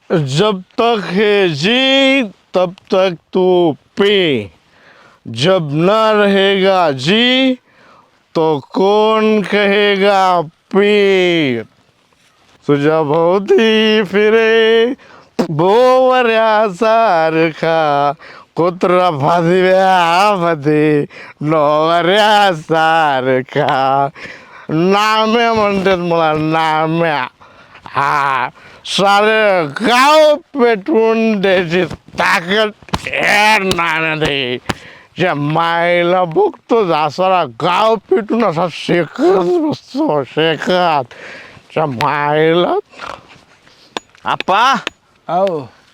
जब तक है जी तब तक तू पी, जब न रहेगा जी तो कौन कहेगा पी. तुझ्या भोवती फिरे भोवऱ्यासारखा कुत्रा फासव्यामध्ये नवऱ्यासारखा. नाम्या म्हणतात मला, नाम्या. हा, सारे गाव पेटवून द्यायची ताकद या नाण्यात. ज्या मायला बघतो सारा गाव पेटून असा शेकत बसतो, शेकत. त्या मायला आप्पा हो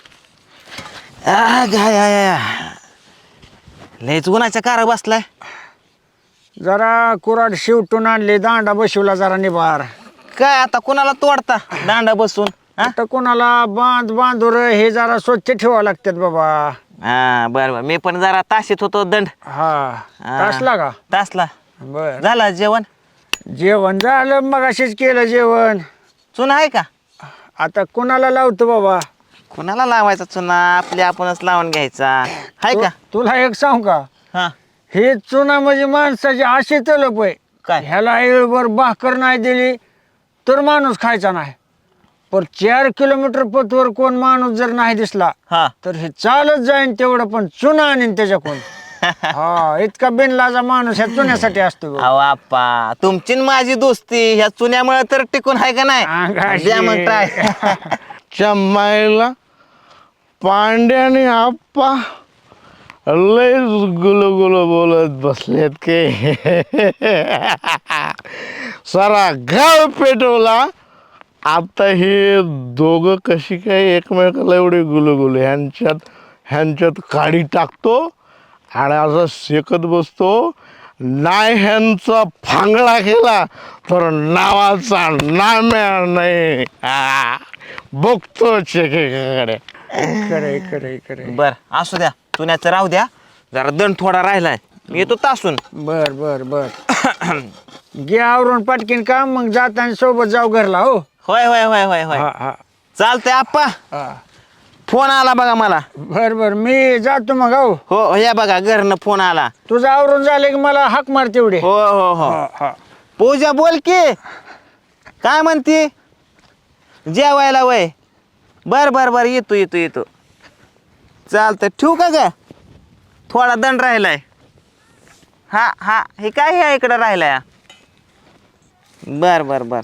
गाय लयच उन्हाच्या कार बसलाय. जरा कुराड शिवटून आणले, दांडा बसवला जरा निभार. काय आता कोणाला तोडता दांडा बसून? आता कोणाला बांधूर हे जरा स्वच्छ ठेवावं लागतात बाबा. हा बर बर, मी पण जरा ताशीत होतो दंड. हा तासला का? तासला. बर, झाला जेवण? जेवण झालं, मगाशीच केलं जेवण. चुना आहे का? आता कोणाला लावतो बाबा? कोणाला लावायचा चुना? आपले आपणच लावून घ्यायचा आहे का? तुला एक सांग का, हा हे चुना म्हणजे माणसाची अशी तलप आहे. काय? ह्याला येळभर भाकर नाही दिली तर माणूस खायचा नाही. पण 4 किलोमीटर पथवर कोण माणूस जर नाही दिसला हा तर हे चालत जाईन तेवढं, पण चुना आणीन त्याच्याकडून. हा, इतका बिनलाजा माणूस ह्या चुन्यासाठी असतो बघ. अहो आप्पा, तुमची न माझी दोस्ती ह्या चुन्यामुळे तर टिकून आहे का नाही? अंगाशी. द्या मग ट्राय. च्या मायला पांड्याने आप्पा लय गुलगुल बोलत बसलेत के. सारा गाव पेटवला. आता हे दोघं कशी काय एकमेकाला एवढे गुलगुल ह्यांच्यात काडी टाकतो आणि असं शेकत बसतो. नाही ह्यांचा फांगडा केला तर नावाचा नाम्या नाही. बघतो चेकेकडे. खरंय खरंय खरंय. बर असू द्या, चुन्याचं राहू द्या. जरा दंड थोडा राहिलाय, मी येतो तासून. बर बर बर. घे आवरून पटकीन काम, मग जाताना सोबत जाऊ घरला. हो होय होय होय होय होय, हा हा चालतंय आप्पा. हा. फोन आला बघा मला. बर बर, मी जातो मग. हो, हो या बघा, घरनं फोन आला. तुझं आवरून झालं की मला हाक मार तेवढे. हो हो हो. हा, हा. पूजा बोल की, काय म्हणती? जेवायला वय? बर बर बर, येतो येतो येतो. चालतं, ठेवू का ग? थोडा दंड राहिलाय. हा हा, हे काय आहे इकडं राहिलाय? बर बर बर.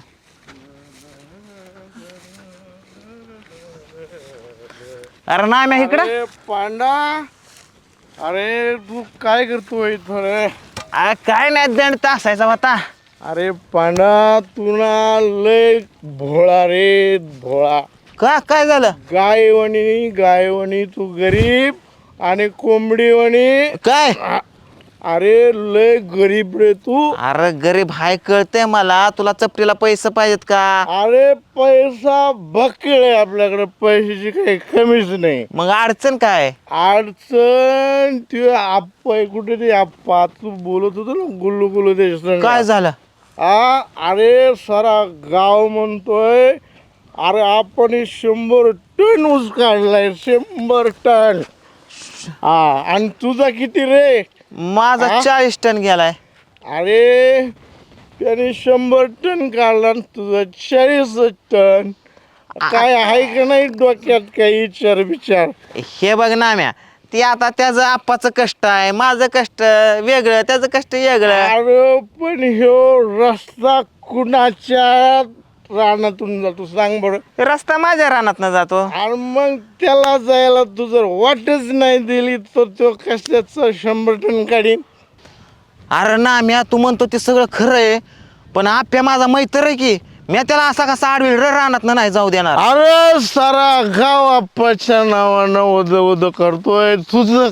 अरे नाही मी इकडं. अरे पांडा, अरे तू काय करतोय इथं रे? काय नाही, दंड तासायचा होता. अरे पांडा, तू ना लय भोळा रे, भोळा. का काय झालं? गायवणी तू गरीब आणि कोंबडीवणी. काय? अरे लय गरीब रे तू. अरे गरीब हाय कळतंय मला, तुला चपटीला पैसे पाहिजेत का? अरे पैसा बकेळ आहे आपल्याकडे, पैशाची काही कमीच नाही. मग अडचण काय? अडचण तू आप्पा आहे, कुठे ते आप्पा तू बोलत होतो ना, गुल्लू गुल्लू ते काय झालं? अरे सारा गाव म्हणतोय, अरे आपण 100 टन ऊस काढलाय, 100 टन. आणि तुझा किती रे? माझा 40 टन गेलाय. अरे त्याने 100 टन काढला आणि तुझा 40 टन. काय आहे का नाही डोक्यात काही विचार? हे बघ ना म्या, ते आता त्याचं आप्पाचं कष्ट आहे, माझं कष्ट वेगळं, त्याचं कष्ट वेगळं. अरे पण ह्यो रस्ता कुणाच्या रानातून जातो सांग बरं? रस्ता माझ्या रानात न जातो. आणि मग त्याला जायला तू जर वाटच नाही दिली तर तो कशाचं 100 टन काढीन? अरे ना म्या, तू म्हणतो ते सगळं खरं आहे, पण आप्या माझा मैत्र आहे की, म्या त्याला असा कसा आडवी रानात नाही जाऊ देणार. अरे सारा गाव आप्पाच्या नावानं उद करतोय. तुझं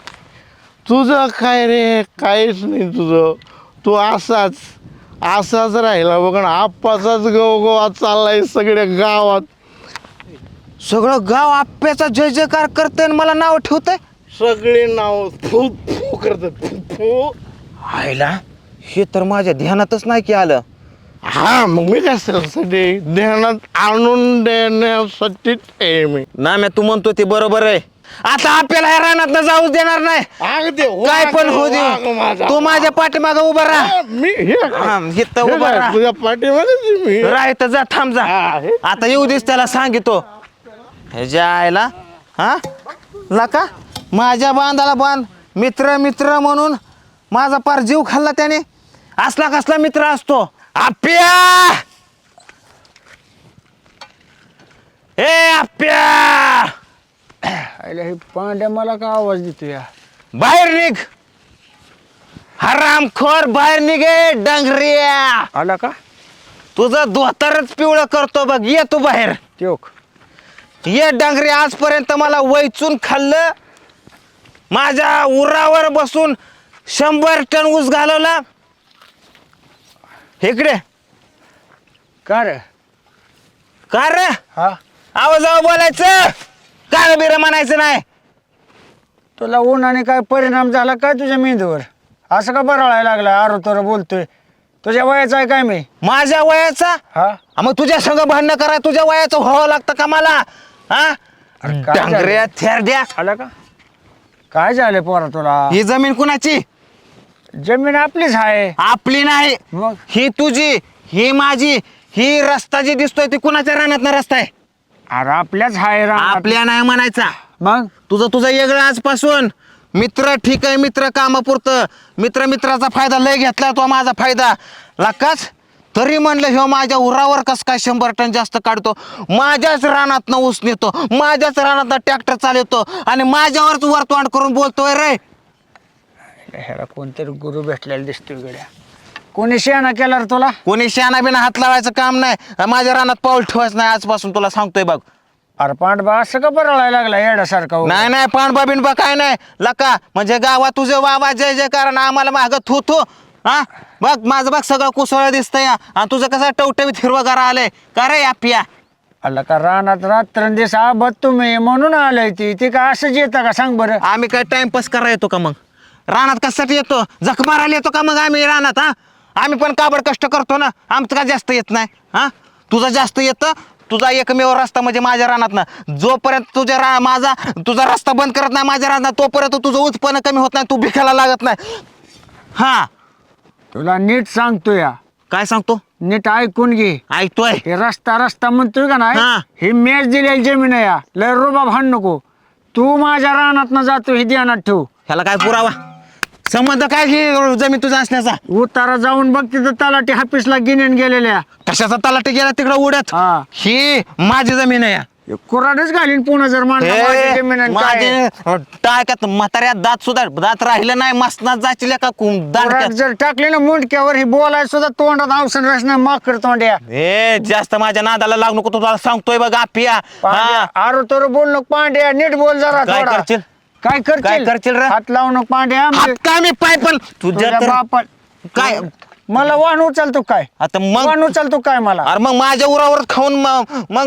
काय रे? काहीच नाही तुझं. तू असाच राहिला बघ ना, आप्पाचाच गवगवा चाललाय सगळ्या गावात. सगळं गाव आप्याचा जय जयकार करतंय आणि मला नाव ठेवतंय. सगळे नाव फू फू करतात, फू. आईला, हे तर माझ्या ध्यानातच नाही की आलं. हा मग मी कशासाठी ध्यानात आणून देण्यासाठी मी ना मी तू म्हणतो ते बरोबर आहे. आता आपल्याला ह्या रानात जाऊच देणार नाही. अगदी काय पण होऊ वाघ दे, माझा. तू माझ्या पाठीमागं उभा राहा. मी इथं उभा राहा. तुझ्या पाठीमध्ये मी राह इथं जा, थांब जा. हा, हे. आता येऊ दिस त्याला सांगितो. ह्याच्या आयला हा लका माझ्या बांधाला बांध मित्र मित्र म्हणून माझा पार जीव खाल्ला त्याने. असला कसला मित्र असतो आप्या. ए आप्या अरे हे पांड्या मला का आवाज देतो या? बाहेर निघ हरामखोर, बाहेर निघे डंगरिया. आला का तुझं धोतरच पिवळं करतो बघ. ये तू बाहेर त्योक? ये डांगरे. आजपर्यंत मला वैचून खाल्लं. माझ्या उरावर बसून 100 टन ऊस घालवला. इकडे का रे? का रे हा आवाजावर बोलायचं, काय बिर म्हणायचं नाही. तुला उन्हाने काय परिणाम झाला काय तुझ्या मेंदूवर? असं का बरळायला लागला? आरो तर बोलतोय. तुझ्या वयाचा आहे काय मी? माझ्या वयाचा? हा मग तुझ्या संग भांडणं करा तुझ्या वयाचं व्हावं लागतं का मला? हा अरे काय डांगऱ्या थेरड्या. आला का? काय झालं पोरा तुला? ही जमीन कुणाची? जमीन आपलीच आहे. आपली नाही, मग ही तुझी, ही माझी. ही रस्ता जी दिसतोय ती कुणाच्या रानात रस्ता आहे? अरे आपल्याच आहे रानात. आपल्या नाही म्हणायचा. मग तुझं वेगळं आजपासून. मित्र ठीक आहे, मित्र कामापुरतं. मित्राचा फायदा लय घेतला तो माझा फायदा लाकाच. तरी म्हणलं ह्यो माझ्या उरावर कस काय 100 टन जास्त काढतो. माझ्याच रानातनं ऊस नेतो, माझ्याच रानातनं ट्रॅक्टर चालवतो आणि माझ्यावरच वरतोंड करून बोलतोय रे. ह्याला कोणतरी गुरु भेटलेला दिसतोय गड्या. कोणी शेणा केला रे तुला? कोणी शाना बिना हात लावायचं काम नाही. माझ्या रानात पाऊल ठेवायचं नाही आजपासून, तुला सांगतोय बघ. अरे पांडबा असं का बरळायला लागला येड्यासारखा? नाही नाही पाणबा बिनबा काय नाही लका. म्हणजे गावात तुझे वावा जय जय कारण आम्हाला मागं थू थू. हा बघ माझं बघ सगळं कुसळ दिसतंय आणि तुझं कसं टवटवीत हिरवगार आलंय का रे आप्या? आला का रानात रात्रंदिवस आबत तुम्ही म्हणून आलंय ती काय असंच येतं का सांग बरं? आम्ही काय टाइमपास करायला येतो का मग? रानात कशासाठी येतो? जख मारायला येतो का मग आम्ही रानात? हा आम्ही पण काबड कष्ट करतो ना. आमचं का जास्त येत नाही? हा तुझं जास्त येतं. तुझा एकमेव रस्ता म्हणजे माझ्या रानातनं. जोपर्यंत तुझा रस्ता बंद करत नाही माझ्या रानात तोपर्यंत तुझं उत्पन्न कमी होत नाही, तू भिकायला लागत नाही. हा तुला नीट सांगतो या. काय सांगतो? नीट ऐकून घे. ऐकतोय. हे रस्ता म्हणतोय का नाही? हा. ही मॅच दिलेली जमीन आहे या. लय रुबाब हाण नको. तू माझ्या रानात जातो हे ध्यानात ठेव. ह्याला काय पुरावा? संबंध काय ही जमीन तुझा असण्याचा? उतारा जाऊन बघ तिथं तलाठी हापीसला गिन्यान गेलेल्या. कशाचा तलाठी गेला तिकडं उडत? हा. ही माझी जमीन आहे. कुराडच घालीन पुन्हा जर म्हणलं माझी जमीन आहे काय. टाक्यात म्हाताऱ्यात दात राहिलं नाही मसनात जायची का कुऱ्हाड दात. जर टाकले ना मुंडक्यावर ही बोलाय सुद्धा तोंडात औषध रचना माकर तोंड्या. ए जास्त माझ्या नादाला लागू नको, तुला सांगतोय बघ आपिया. आरो तर बोल नको पांड्या, नीट बोल जरा. काय थोडा. करशील? काय काय करशील रे? हात लावू नको पांड्या. काय मी पाय पण तुझ्या तुझ्या तर- बापात काय मला वाहन उचलतो काय? आता मग वाहन उचलतो काय मला? अरे मग माझ्या उरावर खाऊन मग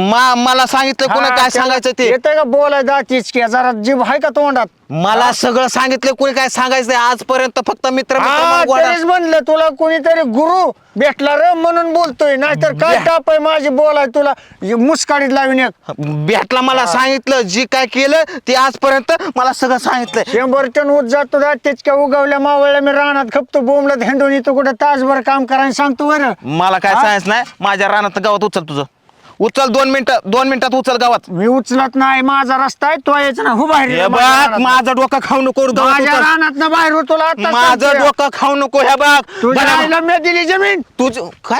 मला सांगितलं कोणी काय सांगायचं ते? येतं का बोलाय दातीच की जरा जीभ आहे का तोंडात? मला सगळं सांगितलं कोणी काय सांगायचं नाही. आजपर्यंत फक्त मित्र हा, म्हणून गोडा- तरीच म्हणलं तुला कोणीतरी गुरु भेटला रे म्हणून बोलतोय. नाहीतर काय टाप आहे माझी बोलाय तुला मुस्काडीत लावीन एक. भेटला मला सांगितलं जी काय केलं ते आजपर्यंत मला सगळं सांगितलं. 100 टन ऊस जातो तेच काय उगवल्या मावळल्या मी रानात खपतो बोंबलत हेंडून येतो कुठं तासभर काम करायला सांगतो बरं. मला काय सांगायचं नाही. माझ्या रानात गावात उचल तुझं. उचल 2 मिनिटात उचल गावात. मी उचलत नाही. माझा रस्ता आहे तो यायचा ना हो बाहेर. हे बघ माझं डोकं खाऊ नको गावात माझ्या उचल. रानात बाहेर होतो आता माझं डोकं खाऊ नको. हे बघ तुझ्या बरं, आईला मी दिली जमीन. तुझ काय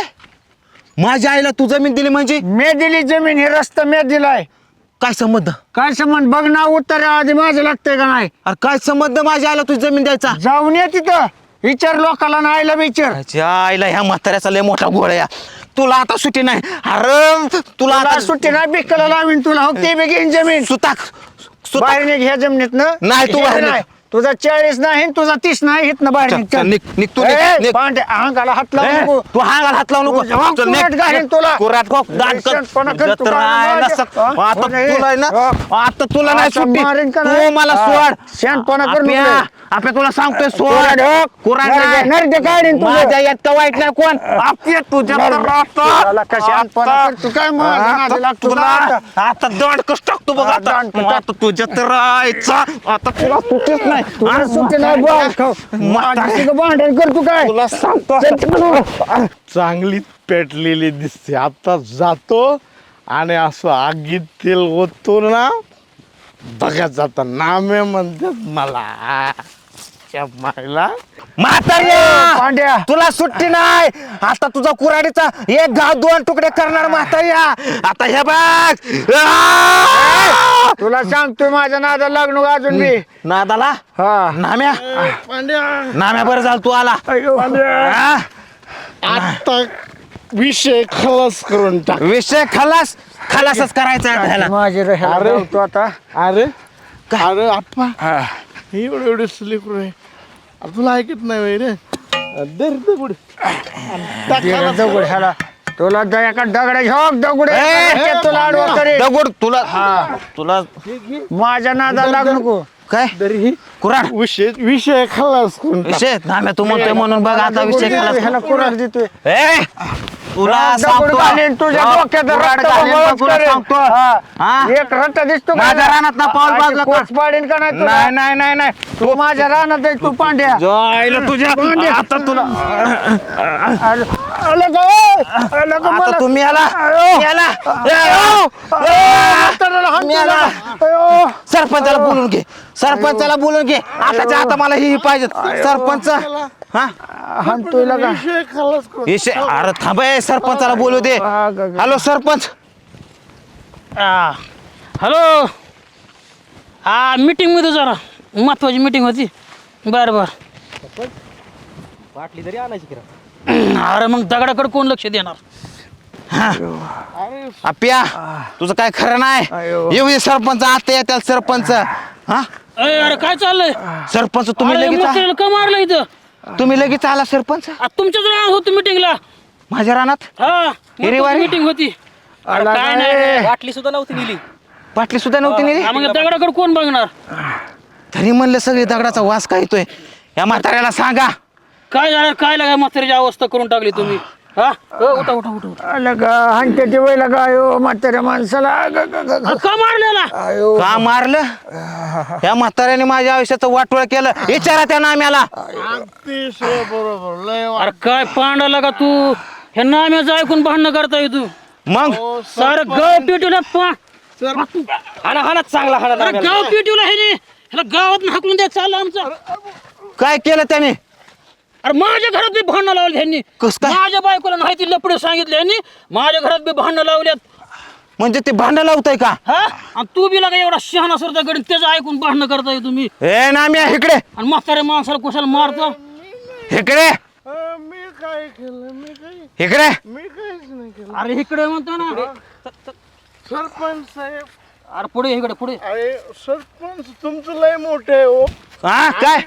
माझ्या आईला तू जमीन दिली म्हणजे मी दिली जमीन. हे रस्ता मी दिलाय. काय संबंध? काय संबंध? बघ ना उत्तर आधी माझं लागतंय का नाही? अरे काय संबंध माझ्या आईला तुझी जमीन द्यायचा? जाऊन ये तिथं विचार लोकाला ना आईला विचार. त्याच्या आईला ह्या म्हाताऱ्याचा लय मोठा गोळ आहे. तुला आता सुट्टी नाही. अरे तुला तुला आता सुट्टी नाही बिकला लावीन तुला. हो ते बी घेईन जमीन. सुताक बाहेर निघ ह्या जमिनीत नाही, तू बाहेर निघ. तुझा 40 नाही तुझा 30 नाही इथनं बाहेर चल, निघ, चल, चल. निघ तू, निघ, ए, निघ. पांड्या अंगाला हात लावू नको. तू हागाला हात लावू नको जाऊ, चल, निघ. कुऱ्हाड घालीन तुला. कुऱ्हाड खो, दात कर. शहाणपणा कर, तू जत्रा काय आहे ना, माझ्या- सक- हा? आता म्हणजे- तुला आहे ना हा. आता तुला नाही आता सुट्टी मारीन का तू नाही? मला हा. सोड शहाणपणा कर आपल्या नको. आपल्या तुला सांगतोय सोड कुऱ्हाड हो. कुऱ्हाड नरडे- नरडे काढीन तुझं. माझ्या इतकं वाईट नाही कोण आपल्या तुझ्या तर तुला का शहाणपणा कर? तू काय माझ्या नादी लागतो तुला का आता? आता दंड कस टाकतो बघ हा, आता दंड टाक. आता तुझ्या तर राहायचा आता तुला सुट्टीच नाही तुला सुट्टी नाही बॉल खाऊ. माझ्याशी का भांडण कर तू काय तुला सांगतो चल, चल. चांगली पेटलेली दिसते. आता जातो आणि असं आगीत तेल ओततो ना, बघा जाता नामे म्हणतात मला त्या मायला. म्हाताऱ्या पांड्या तुला सुट्टी नाही आता तुझा कुऱ्हाडीचा एक घाव 2 तुकडे करणार म्हाताऱ्या आता हे बघ तुला सांगतोय माझ्या नादा लागणू अजून मी नादाला हा नाम्या पांड्या नाम्या बरं झालं तू आला अयो. हा? आता विषय खलास करून टाक. विषय खलासच करायचा आहे ह्याला. माझे राहायला अरे. लावतो आता अरे अरे आप्पा हा. एवढे एवढे स्लीपर आहे. अरे तुला ऐकत नाही वय रे. दर दगड. गेला दगड ह्याला तुला एका दगडा झोक दगड ए, तुला आडवा करेल. दगड तुला तुला माझ्या नादा लागू नको काय तरी कुऱ्हाड विषय खलास करून टाक. विषय नाम्या तू म्हणतोय म्हणून बघ आता विषय खलास ह्याला कुऱ्हाड देतोय ए तुला दगड सांगतो घालीन तुझ्या डोक्यात कुऱ्हाड रक्त घालीन बळच तुला करेन. सांगतो हा. हा? एक रट्टा दिसतो का? माझ्या रानात ना पाऊल अशी बाजला का? कोच पाडीन का नाही तुला? नाही नाही नाही नाही तू माझ्या रानात आहे तू पांड्या जायला तुझ्या आता तुला आलं का? आलं का आता मला? तुम्ही आला अयो. याला म्हाताऱ्याला हात मी आला. दिला. अयो. सरपंचाला बोलून घे सरपंचाला बोलून घे आताच्या आता मला ही पाहिजे सरपंच हा हाणतोय लगा. विषय खलास करून विषय अरे थांब ए, सरपंचाला बोलू दे हा, ग, ग. हॅलो सरपंच हॅलो हा मीटिंगमध्ये जरा महत्वाची मीटिंग होती बरं बरं बाटली तरी आणायची अरे मग दगडाकडे कोण लक्ष देणार आप्या तुझं काय खरं नाही अयो. येऊ दे सरपंच आता येत्याल सरपंच हा अरे काय चाललंय सरपंच तुम्ही अरे लगेच म्हाताऱ्याला का मारलं इथं तुम्ही लगेच आला सरपंच तुमच्याच राहणार होतो मीटिंगला माझ्या रानात हा हिरेवारी? मीटिंग होती अरे आला काय काय? नाही बाटली सुद्धा नव्हती नेली बाटली सुद्धा नव्हती नेली मग दगडाकडे कोण बघणार तरी म्हणलं सगळी दगडाचा वास काय येतोय या म्हाताऱ्याला सांगा काय झालं काय लागाय म्हाताऱ्याची अवस्था करून टाकली तुम्ही हा उठा उठा उठा उठा. आलं का हाणते ते वय लगा अयो म्हाताऱ्या माणसाला ग, ग, ग, ग. का मारलेला अयो का मारलं या म्हाताऱ्याने माझ्या आयुष्याचं वाटोळ केलं विचारा त्या नाम्याला अतिशय बरोबर लय अरे काय पांडाला का तू हे नाम्याचं ऐकून भांडणं करताय तू मग सारं गाव पिटवलं हाना हाना चांगला हाना गाव पिटवलं हे ह्याला गावात हाकलून द्या चाललं आमचं काय केलं त्याने अरे माझ्या घरात बी भांडणं लावली ह्यांनी कसं काय? माझ्या बायकोला नाही ती लपडे सांगितले ह्यांनी माझ्या घरात बी भांडणं लावल्यात म्हणजे ते भांडण लावतंय का हा आणि तू बी लागा एवढा शहाणा सरता गडी त्याचं ऐकून भांडणं करताय तुम्ही ए नाम्या इकडे आणि म्हाताऱ्या माणसाला कुशाला मारता इकडे मी काय केलं इकडे मी काहीच नाही केलं. अरे इकडे म्हणतो ना सरपंच साहेब अरे पुढे इकडे पुढे अरे सरपंच तुमचं लय मोठे आहे हो. हा काय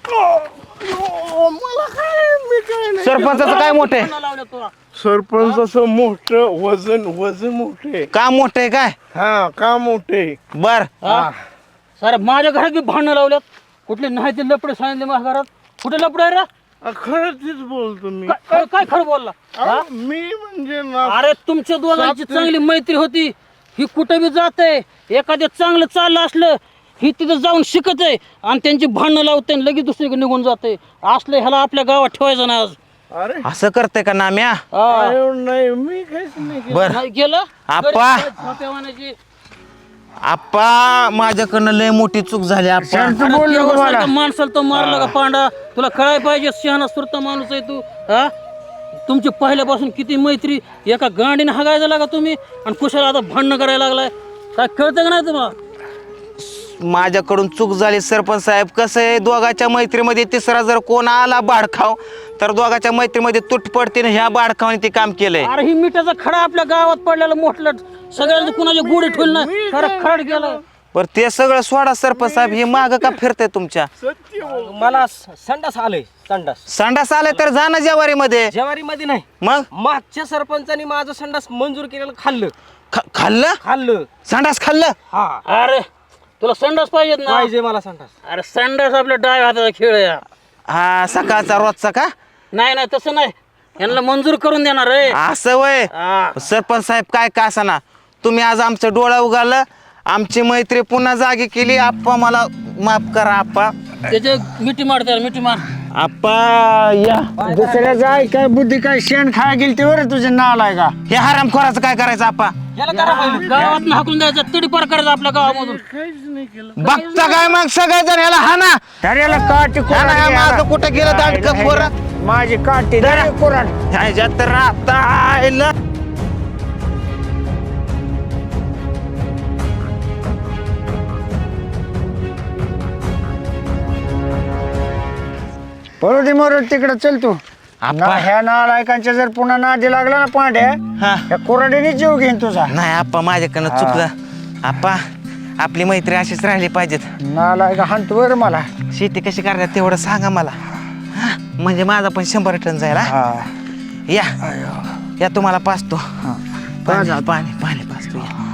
मला काय मी काय नाही सरपंचाचं काय मोठे भांडणं लावल्यात तुला सरपंच असं मोठं वजन मोठे काम मोठे काय हा का मोठे बर सारे माझ्या घरात बी भांडणं लावल्यात कुठले नाही ते लपडे सांगितले माझ्या घरात कुठे लपडे आहे रे खरं तीच बोलतो मी काय खरं बोलला अहो, मी म्हणजे ना अरे तुमच्या दोघांची चांगली मैत्री होती ही कुठे बी जाते एखाद्या चांगलं चाललं असलं ही तिथं जाऊन शिकत आहे आणि त्यांची भांडणं लावते आणि लगेच दुसरीकडे निघून जाते असलं ह्याला आपल्या गावात ठेवायचं ना आज अरे असं करते का नाम्या हा. अरे नाही मी काहीच नाही केलं. बर नाही गेलं आप्पा. गरीब काय झोपेवाण्याची. आप्पा माझ्याकडनं लय मोठी चूक झाली आप्पा शांत अरे बोल नको मला तेवढ्यासारखं माणसाला तो मारला का पांडा तुला कळाय पाहिजे शहाणा सुरता माणूस आहे तू हा तुमची पहिल्यापासून किती मैत्री एका गांडीने हागायला लागा तुम्ही आणि कुशाला आता भांडणं करायला लागलाय काय कळतं का नाही तुम्हाला माझ्याकडून चूक झाली सरपंच साहेब कसं आहे दोघाच्या मैत्रीमध्ये तिसरा जर कोण आला बाडखाव तर दोघाच्या मैत्रीमध्ये तुट पडते ह्या बाडखावाने ते काम केलंय अरे ही मिठाचा खडा आपल्या गावात पडलेला मोठला सगळ्यांचं कुणाच्या गोडी ठेवलं नाही खरं खड गेलं पर ते सगळं सोडा सरपंच साहेब, हे माग का फिरतंय तुमच्या? मला संडास आलंय संडास संडास आले तर जा ना जेवारी मध्ये. जेवारी मध्ये नाही, मग मागच्या सरपंचानी माझं संडास मंजूर केलेलं खाल्लं खाल्लं खाल्लं संडास खाल्लं. हा अरे तुला संडास पाहिजेत ना? पाहिजे मला संडास. अरे संडास आपल्या डाव्या हाताचा खेळ आहे हा. हा सकाळचा रोजचा का? नाही नाही तसं नाही, यांना मंजूर करून देणार रे. असं वय. हा. सरपंच साहेब काय का असाना, तुम्ही आज आमचं डोळा उगालं, आमची मैत्री पुन्हा जागी केली. आप्पा मला माफ करा आप्पा. त्याचे मिठी मार त्याला मिठी मार. आप्पा या. दुसऱ्याचा काय बुद्धी काय शेण खाय गेली ते बरं तुझे नाल आहे का? हे हरामखोराचं काय करायचं आप्पा? याला करा पाहिजे. गावात हाकून द्यायचं, तडी पार करायचं आपल्या गावामधून. बघता काय मग सगळेजण ह्याला हाना. तर याला काठी हाना, ह्या माझं कुठं गेलं दांडकं पोरं? माझी काठी धर कुऱ्हाड. ह्याच्यात तर आता आयलं. पळू दे मोर तिकडे चल तू. आप्पा. ना ह्या नालायकांच्या जर पुन्हा नादी लागला ना पांड्या, हा. या कुऱ्हाडीने जीव घेईन तुझा. नाही आप्पा, माझ्याकडनं चुकलं आप्पा. आपली मैत्री अशीच राहिली पाहिजेत. नालायका हाणतो बरं मला. शेती कशी करतात तेवढं सांगा मला. हा, म्हणजे माझा पण 100 टन जाईल. हा? हा या या तुम्हाला पाचतो. पाणी पाणी पाणी पाचतो या.